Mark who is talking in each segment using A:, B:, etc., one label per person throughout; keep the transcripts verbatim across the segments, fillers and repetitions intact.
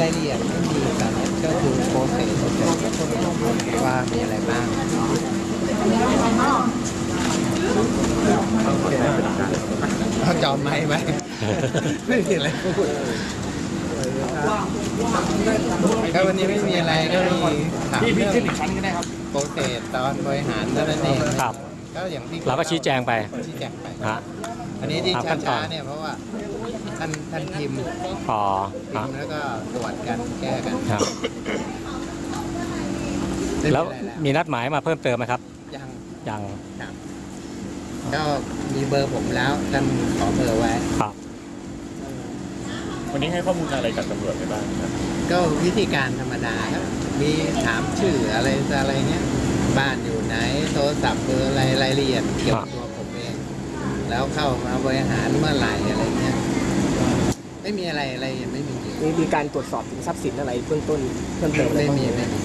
A: รายละเอียดไม่มีตอนนี้ก็คือโปรเซสว่ามีอะไรบ้างเขาจอมไหมไหมไม่มีอะไรพูดก็วันนี้ไม่มีอะไรก็มีถามเรื่องโปรเซสตอนบริหารนั่นเอง
B: ครับ
A: ก็อย่างที่
B: เราก็ชี้แจงไป
A: ชี้แจงไปอันนี้ที่ช้าๆเนี่ยเพราะว่าท่านท่านพิมพ์
B: อ๋อ
A: พิมพ์แล้วก็ตรวจกันแก้กัน
B: แล้วมีนัดหมายมาเพิ่มเติมไหมครับ
A: ยัง
B: ยัง
A: ก็มีเบอร์ผมแล้วท่านขอเบอร์ไว้
B: ครับ
C: วันนี้ให้ข้อมูลอะไรกับตำรวจไปบ้างครับ
A: ก็วิธีการธรรมดาครับมีถามชื่ออะไรอะไรเงี้ยบ้านอยู่ไหนโทรศัพท์เบอร์อะไรรายละเอียดเกี่ยวกับตัวผมเองแล้วเข้ามาบริหารเมื่อไหร่อะไรเงี้ยไม่มีอะไรอะไรไม่มี
D: มีมีการตรวจสอบถึงทรัพย์สินอะไรเบื้องต้นเพิ่มเติม
A: ไม่มีไม่มี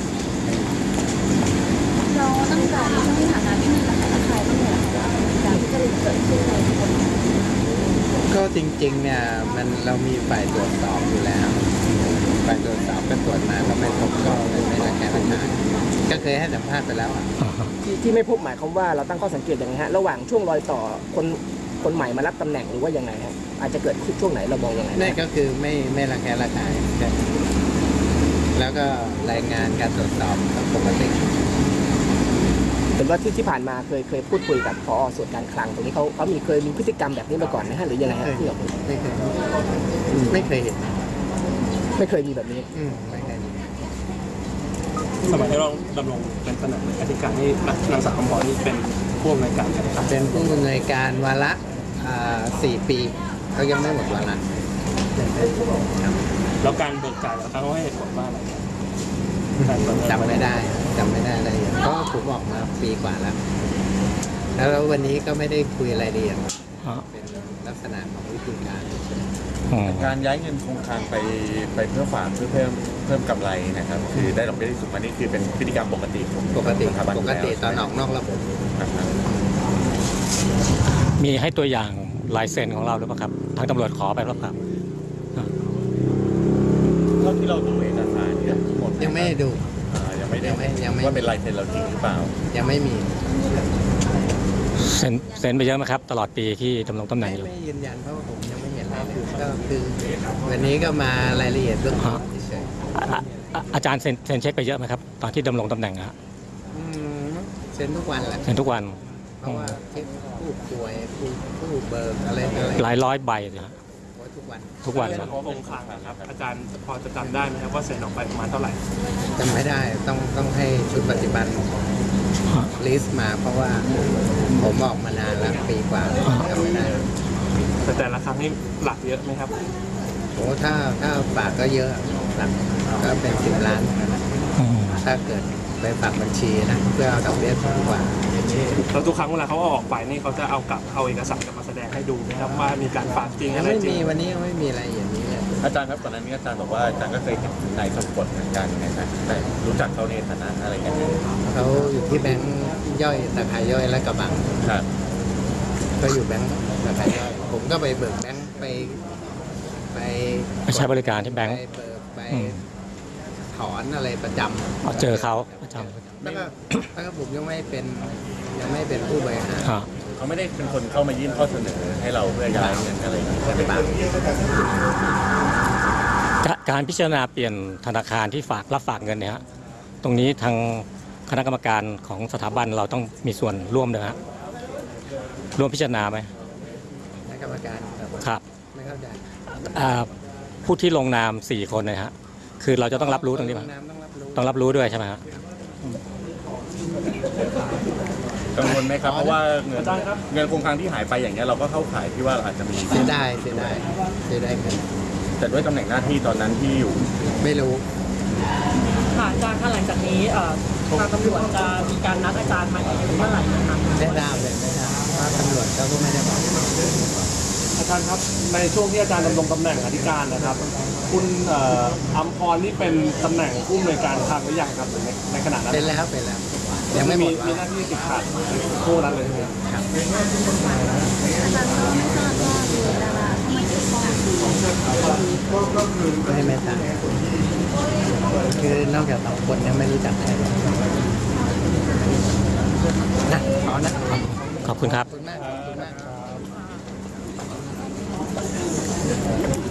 E: เราตั้งแต่ในช่วงที่ผ่านมาที่มีระคายระคายบ้างเลยการที่จะเกิดขึ้นในคน
A: ก็จริงๆเนี่ยมันเรามีฝ่ายตรวจสอบอยู่แล้วฝ่ายตรวจสอบก็ตรวจมาก็ไม่พบก็เลยไม่ระแคะระคายก็เคยให้สัมภาษณ์ไปแล้ว
D: ที่ที่ไม่พบหมายความว่าเราตั้งข้อสังเกตอย่างไรฮะระหว่างช่วงรอยต่อคนคนใหม่มารับตำแหน่งหรือว่ายังไงฮะอาจจะเกิดช่วงไหนเรามองยังไง
A: นี่ก็คือไม่ไม่ระแคะระคายแล้วก็รายงานการตรวจสอบปกติ
D: เห็นว่าที่ที่ผ่านมาเคยเคยพูดคุยกับผอ.ส่วนการคลังตรงนี้เขาเขามีเคยมีพฤติกรรมแบบนี้มาก่อนไหมฮะหรือยังไงฮะที่เรา
A: ไม่เคยไม่เคยเห็น
D: ไม่เคยมีแบบนี้
A: ไม่เคย
C: สมัยที่เราดำรงเป็นตำแหน่งอธิการนี่นางสาวคำพรนี่เป็นผู้อำนวยการ
A: เป็นผู้อำนวยการวาระสี่ปีเขายังไม่หมดวาระ
C: แล้วการเบิกจ่ายแล้วเขาให้เหตุผลว่าอะไร
A: จำไม่ได้จำไม่ได้อะไรอย่างก็ผมออกมาปีกว่าแล้วแล้ววันนี้ก็ไม่ได้คุยรายละเอียดเป็นลักษณะของวิธีการ
C: การย้ายเงินคงคลังไปไปเพื่อฝากเพื่อเพิ่มเพิ่มกำไรนะครับคือได้ดอกเบี้ยที่สูงอันนี้คือเป็นพฤติกรรมปกติ
A: ปกติปกติตอนออกนอกระบบ
B: มีให้ตัวอย่างลายเซ็นของเราหรือเปล่าครับทางตำรวจขอไปหรือเปล่า
C: เท่าที่เราดูเอกสารเนี่ยหมด
A: ยังไม่ได้ดู
C: ยังไม่ได้ว่าเป็นลายเซ็นเราจริงหรือเปล่า
A: ยังไม่มี
B: เซ็นเซ็นไปเยอะไหมครับตลอดปีที่ดำรงตำแหน่งอยู่
A: ไม่ยืนยันเพราะว่าผมยังไม่เห็นอะไรเลยก็คือวันนี้ก็มารายละเอียดเรื่องเฉย
B: ๆอาจารย์เซ็นเซ็นเช็คไปเยอะไหมครับตอนที่ดำรงตำแหน่งฮะ
A: เซ็นทุกวันแหละ
B: เซ็นทุกวัน
A: เพราะว่าเช็คผู้ป่วยผู้ผู้เบิกอะไรอะไร
B: หลายร้อยใบเลยฮะ
A: ทุกวัน
B: ทุกวัน
C: นะคงคลังนะครับอาจารย์พอจะจำได้ไหมครับว่าเซ็นออกไปประมาณเท่าไหร่
A: จำไม่ได้ต้องต้องให้ชุดปฏิบัติลิสต์มาเพราะว่าผมออกมานานแล้วปีกว่าจำไม่ได้
C: แต่แต่ละครั้งนี่หลักเยอะไหมครับ
A: โอ้ถ้าถ้าฝากก็เยอะหลักก็เป็นสิบล้านถ้าเกิดไปฝากบัญชีนะเพื่อเอาดอกเบี้ยสูงกว่า
C: แล้วทุกครั้งเวลาเขาเอาออกไปนี่เขาจะเอากลับเอาเอกสารกลับมาแสดงให้ดูนะครับว่ามีการฝากจริงอะไรจริง
A: ไม่มีวันนี้ยังไม่มีอะไรอย่างนี้เลย
C: อาจารย์ครับก่อนหน้านี้อาจารย์บอกว่าอาจารย์ก็เคยเห็นนายสมกลเหมือนกันนะครับแต่รู้จักเขาในฐานะอะไรกัน
A: เขาอยู่ที่แบงค์ย่อยสาขาย่อยและกระบัง
C: ครับ
A: ก็อยู่แบงค์สาขาย่อยผมก็ไปเบิกแบงค์ไปไป
B: ไปใช้บริการที่แบงค์
A: ไปเบิกไปถอนอะไรประจำ
B: เจอเขาประจำ
A: แล้วก็แล้วก็ผมยังไม่เป็นยังไม่เป็นผู้บริหาร
C: เขาไม่ได้เป็นคนเข้ามายื่นข้อเสนอให้เราเพื่อย้ายเงินอะไรอย่างนี้ใช่ไหม
B: การพิจารณาเปลี่ยนธนาคารที่ฝากรับฝากเงินเนี่ยฮะตรงนี้ทางคณะกรรมการของสถาบันเราต้องมีส่วนร่วมด้วยฮะร่วมพิจารณาไหม
A: คณะกรรมการ
B: ครับ
A: ไม่เข้าใจ
B: ผู้ที่ลงนามสี่คนนะฮะคือเราจะต้องรับรู้ตรงนี้ไหมต้องรับรู้ด้วยใช่ไหมฮะ
C: กังวลไหมครับเพราะว่าเงินเงินคงคลังที่หายไปอย่างเงี้ยเราก็เข้าข่ายที่ว่าอาจจะมี
A: เสียได้เสียได้เสียได้เงิน
C: แต่ด้วยตำแหน่งหน้าที่ตอนนั้นที่อยู่
A: ไม่รู้
F: ค่ะอาจารย์หลังจากนี้ทางตำรวจจะมีการนัดอาจารย์มาอีกเมื่อไหร่นะครับ
A: ไม่ทราบเลยไม่ทราบว่าตำรวจก็ไม่ได้บอก
G: อาจารย์ครับในช่วงที่อาจารย์ดำรงตำแหน่งอธิการนะครับคุณอัมพรนี่เป็นตำแหน่งผู้อำนวยการคลังหรือยังครับในในขณะนั้น
A: เป็นแล้วเป็นแล้วยังไม่
G: มีมีหน้าที่ติดขัดผู้นั้นเลย
A: ครับ
E: อาจารย์ก็ไม่ทราบว่ามีดาราที่มาเกี่ยวข้อง
A: ไม่ไม่ทราบคือนอกจากสองคนเนี่ยไม่รู้จักใครเลยนะขอนะ
B: ขอบคุณครับ
A: ขอบคุณมากขอบคุณมาก